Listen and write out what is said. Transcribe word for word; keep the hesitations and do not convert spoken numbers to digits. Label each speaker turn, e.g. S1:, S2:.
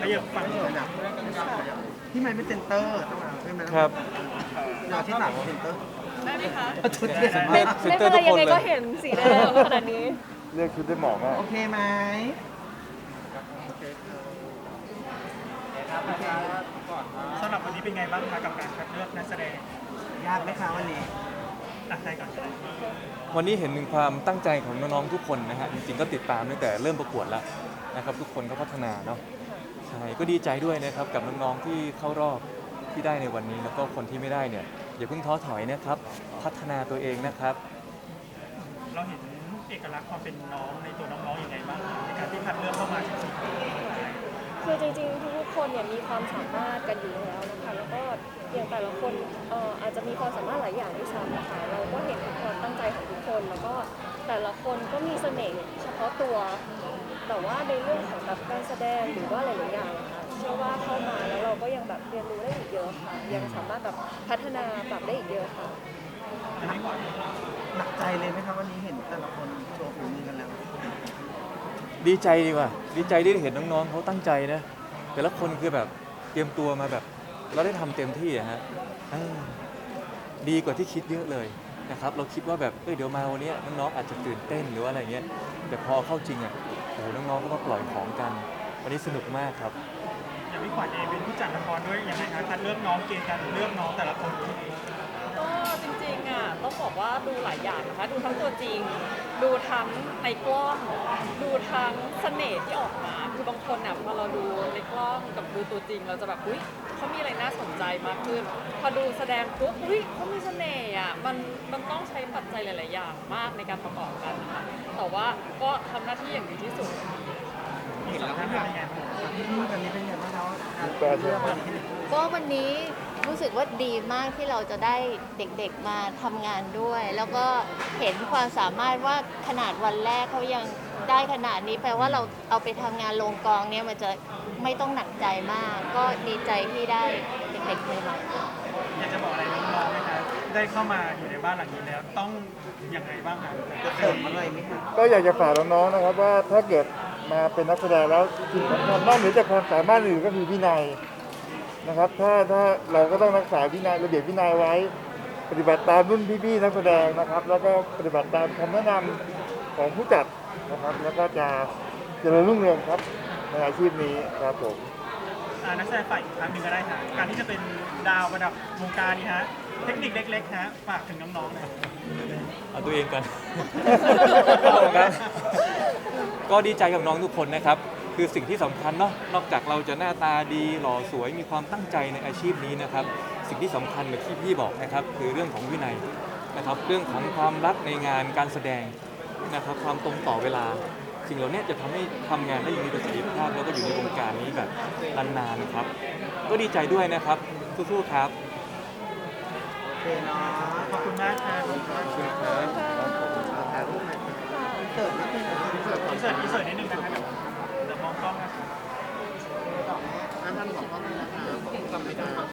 S1: ขยับฟังขยับพี่ไมค์เป็นเซนเตอร์ใช่ไหม
S2: ครับ
S1: เดี๋ยวที่หลังเป็นเซนเตอร์
S3: ได้ไหมคะ
S1: ชุดเด่น
S2: เล่
S1: มาน ก
S2: เซ็นเตอร์ทุกคน
S3: ยังไง
S2: เล
S3: ก็
S2: ย
S3: เห็นสีแดงขนาดนี้
S2: เลือกชุดได้เหมาะมาก
S1: โอเคไหมสำหรับวันนี้เป็นไงบ้างคะกับการคัดเลือกนักแสดงยากไหมคะวันนี้ตัดใจก่อน
S2: วันนี้เห็นถึงความตั้งใจของน้องๆทุกคนนะฮะจริงๆก็ติดตามตั้งแต่เริ่มประกวดแล้วนะครับทุกคนก็พัฒนาเนาะใช่ก็ดีใจด้วยนะครับกับน้องๆที่เข้ารอบที่ได้ในวันนี้แล้วก็คนที่ไม่ได้เนี่ยอย่าเพิ่งท้อถอยนะครับพัฒนาตัวเองนะครับ
S1: เราเห็นเอกลักษณ์ความเป็นน้องในตัวน้องๆอย่างไรบ้างในการที่คัดเลือกเข้ามาถึงสี่คน
S3: คือจริงๆทุกๆคนเนี่ยมีความสามารถกันอยู่แล้วนะคะแล้วก็อย่างแต่ละคนเอ่ออาจจะมีความสามารถหลายอย่างด้วยซ้ำนะคะเราก็เห็นถึงความตั้งใจของทุกคนแล้วก็แต่ละคนก็มีเสน่ห์เฉพาะตัวแต่ว่าในเรื่องของแบบการแสดงหรือว่าหลายๆอย่างนะคะเชื่อว่าเข้ามาแล้วเราก็ยังแบบเรียนรู้ได้อีกเยอะค่ะยังสามารถแบบพัฒนาปรับได้อีกเยอะค่ะ
S1: หนักใจเลยไหมครับวันนี้เห็นแต่ละคนโชว์ฝีมือกันแล้ว
S2: ดีใจดีกว่าดีใจที่ได้เห็นน้องๆเขาตั้งใจนะแต่ละคนคือแบบเตรียมตัวมาแบบเราได้ทำเต็มที่อะฮะเออดีกว่าที่คิดเยอะเลยนะครับเราคิดว่าแบบเอ้ยเดี๋ยวมาวันนี้น้องๆอาจจะตื่นเต้นหรือว่าอะไรเงี้ยแต่พอเข้าจริงอ่ะโอ้โหน้องๆก็มาปล่อยของกัน วันนี้สนุกมากครับ
S1: อย่างพี่ขวัญเองเป็นผู้จัดละครด้วยยังไงคะคัดเลือกน้องเกณฑ์การเลือกน้องแต่ละคน
S4: ก็จริงๆอ่ะต้องบอกว่าดูหลายอย่างนะคะดูทั้งตัวจริง ดูทั้งในกล้องดูทั้งเสน่ห์ที่ออกมาคือบางคนอ่ะพอเราดูในกล้องกับดูตัวจริง เราจะแบบอุ้ยเขามีอะไรน่าสนใจมากขึ้น พอดูแสดงปุ๊บอุ้ยเขามีเสน่ห์อ่ะมันมันต้องใช้ปัจจัยหลาย ๆ อย่างมากในการประกอบกันนะคะแต่ว่าก็ทำหน้าที่อย่างดีที่สุด
S1: เห็นแล้วเป็นยังไงพี่ตอนนี้เป็นยังไงบ้างครับเลือกวันนี้
S5: ก็วันนี้รู้สึกว่าดีมากที่เราจะได้เด็กๆมาทำงานด้วย แล้วก็เห็นความสามารถว่าขนาดวันแรกเขายังได้ขนาดนี้แปลว่าเราเอาไปทำงานลงกองเนี่ยมันจะไม่ต้องหนักใจมาก ก็ดีใจที่ได้เด็กๆใหม่ๆ
S1: อยากจะบอกอะไรน้องๆไหมคะได้เข้ามาอยู่ในบ้านหลังนี้แล้วต้องยังไงบ้างคะจะเสริมอะไรไหมคะ
S6: ก็อยากจะฝากน้องๆนะครับว่าถ้าเกิดมาเป็นนักแสดงแล้วสิ่งสำคัญนอกเหนือจากความสามารถอื่นก็คือวินัยนะครับถ้าถ้าเราก็ต้องรักษาวินัยระเบียบวินัยไว้ ปฏิบัติตามรุ่นพี่ๆนักแสดงนะครับ แล้วก็ปฏิบัติตามคำแนะนำของผู้จัดนะครับแล้วก็จะเจริญรุ่งเรืองครับในอาชีพนี้ครับผม
S1: อ่านักแสดงฝ่ายอีกครั้งหนึ่งก็ได้ค่ะการที่จะเป็นดาวประดับวงการนี้ฮะเทคนิคเล็กๆฮะฝากถึงน้องๆหน่อย
S2: เอาตัวเองกัน ครับก็ดีใจกับน้องทุกคนนะครับ คือสิ่งที่สำคัญเนาะ นอกจากเราจะหน้าตาดีหล่อสวยมีความตั้งใจในอาชีพนี้นะครับ สิ่งที่สำคัญแบบที่พี่บอกนะครับ คือเรื่องของวินัยนะครับ เรื่องของความรักในงานการแสดงนะครับ ความตรงต่อเวลา สิ่งเหล่านี้จะทำให้ทำงานได้อย่างมีประสิทธิภาพแล้วก็อยู่ในวงการนี้แบบนานๆนะครับ ก็ดีใจด้วยนะครับ สู้ๆครับ
S1: โอเคเนาะขอบคุณมากค่ะขอบคุณมากค่ะถ่ายรูปหน่อยอินเสิร์ตนิดนึงอินเสิร์ตอินเสิร์ตอินเสิร์ตนิดนึงนะคะเดี๋ยวเดี๋ยวมองกล้องนะคะอันนั้นของกล้องนี้นะคะจำไม่ได้